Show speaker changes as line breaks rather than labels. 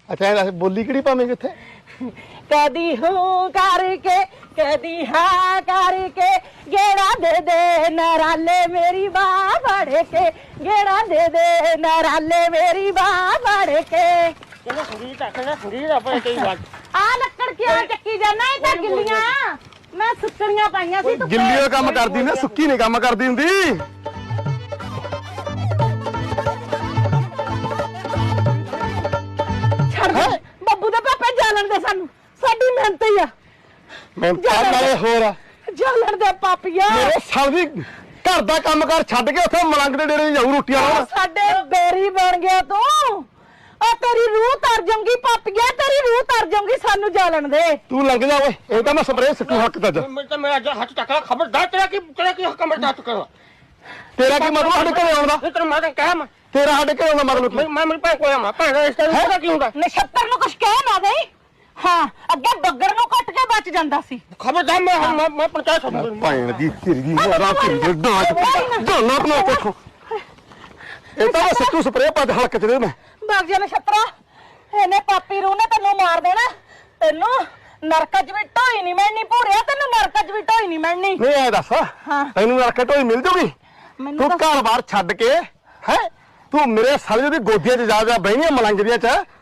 अच्छा बोली किहड़ी पावेंगे इत्थे?
कदी हूँ करके कदी हाँ करके गेड़ा दे नराले मेरी बाह बढ़ के गेड़ा दे नराले मेरी बाह बढ़ के आ लक्कड़ क्या चक्की जाना है तां गिल्लियां मैं सुक्कड़ियां पाईयां सी
गिल्लियों काम करदी ना सुक्की नहीं काम करदी हुंदी
ਬੱਬੂ ਦੇ ਪਾਪੇ ਜਾਲਣ ਦੇ ਸਾਨੂੰ ਸਾਡੀ ਮਿਹਨਤ ਹੀ ਆ
ਮਿਹਨਤ ਨਾਲੇ ਹੋਰ
ਜਾਲਣ ਦੇ ਪਾਪੀਆ
ਮੇਰੇ ਸਾਲ ਦੀ ਘਰ ਦਾ ਕੰਮ ਕਰ ਛੱਡ ਕੇ ਉੱਥੇ ਮਲੰਗ ਦੇ ਡੇਰੇ ਜਾਊ ਰੋਟੀਆਂ ਲਾਉਣ
ਸਾਡੇ ਬੇਰੀ ਬਣ ਗਿਆ ਤੂੰ ਆ ਤੇਰੀ ਰੂਹ ਤਰ ਜਾਊਗੀ ਪਾਪੀਆ ਤੇਰੀ ਰੂਹ ਤਰ ਜਾਊਗੀ ਸਾਨੂੰ ਜਾਲਣ ਦੇ
ਤੂੰ ਲੰਘ ਜਾ ਓਏ ਇਹ ਤਾਂ ਮੈਂ ਸਪਰੇਅ ਸਿੱਟੂ ਹੱਕ ਤੱਜ
ਮੈਂ ਤਾਂ ਮੇਰਾ ਹੱਥ ਟੱਕਰਾ ਖਬਰਦਾਰ ਤੇਰਾ ਕੀ ਹੱਕ ਮਰਦਾ ਤੂੰ ਕਰ
ਤੇਰਾ ਕੀ ਮਤਲਬ ਸਾਡੇ ਘਰੇ ਆਉਣ ਦਾ
ਤੈਨੂੰ ਮੈਂ ਤਾਂ ਕਹਿ
ਤੇਰਾ ਸਾਡੇ ਘਰੇ ਆਉਣ ਦਾ ਮਤਲਬ ਕੀ
ਮੈਂ ਮੇਰੀ ਭੈਣ ਕੋਲ ਆਵਾਂ ਭੈਣ ਇਸ ਤਰ੍ਹਾਂ ਕੀ ਹੁੰਦਾ
ਨਛੱਤਰ ਨੂੰ ਕੁਛ ਕਹਿ ਨਾ ਗਈ ਹਾਂ ਅੱਗੇ ਬੱਗਰ ਨੂੰ ਕੱਟ ਕੇ ਬਚ ਜਾਂਦਾ ਸੀ
ਖਬਰਦਾਰ ਮੈਂ ਪੰਚਾਇਤ ਸਮਝ
ਭੈਣ ਦੀ ਤੇਰੀ ਦੀ ਮਾਰਾ ਤੇਰੀ ਡਾਂਚ ਢੋਲਾ ਬਣਾ ਕੋਠੋ ਇਹ ਤਾਂ ਸਿੱਟੂ ਸਪਰੇਅ ਪਾ ਦੇ ਹਲਕ ਚ ਦੇ ਮੈਂ
ਬਾਗ ਜਾ ਨਛੱਤਰਾ ਇਹਨੇ ਪਾਪੀ ਰੂ ਨੇ ਤੈਨੂੰ ਮਾਰ ਦੇਣਾ ਤੈਨੂੰ ਨਰਕ ਚ ਵੀ ਢੋਈ ਨਹੀਂ ਮਿਲਣੀ ਭੂਰਿਆ ਤੈਨੂੰ ਨਰਕ ਚ ਵੀ ਢੋਈ ਨਹੀਂ ਮਿਲਣੀ
ਨਹੀਂ ਐ ਦੱਸ ਤੈਨੂੰ ਨਰਕ ਢੋਈ ਮਿਲ ਜੂਗੀ ਤੂੰ ਘਰ ਬਾਰ ਛੱਡ ਕੇ ਹੈ ਤੂੰ ਮੇਰੇ ਸਾਲੇ ਦੀ ਗੋਦੀਆਂ 'ਚ ਜਾ ਬਹਿਣੀਆਂ ਮਲੰਗ ਦੀਆਂ 'ਚ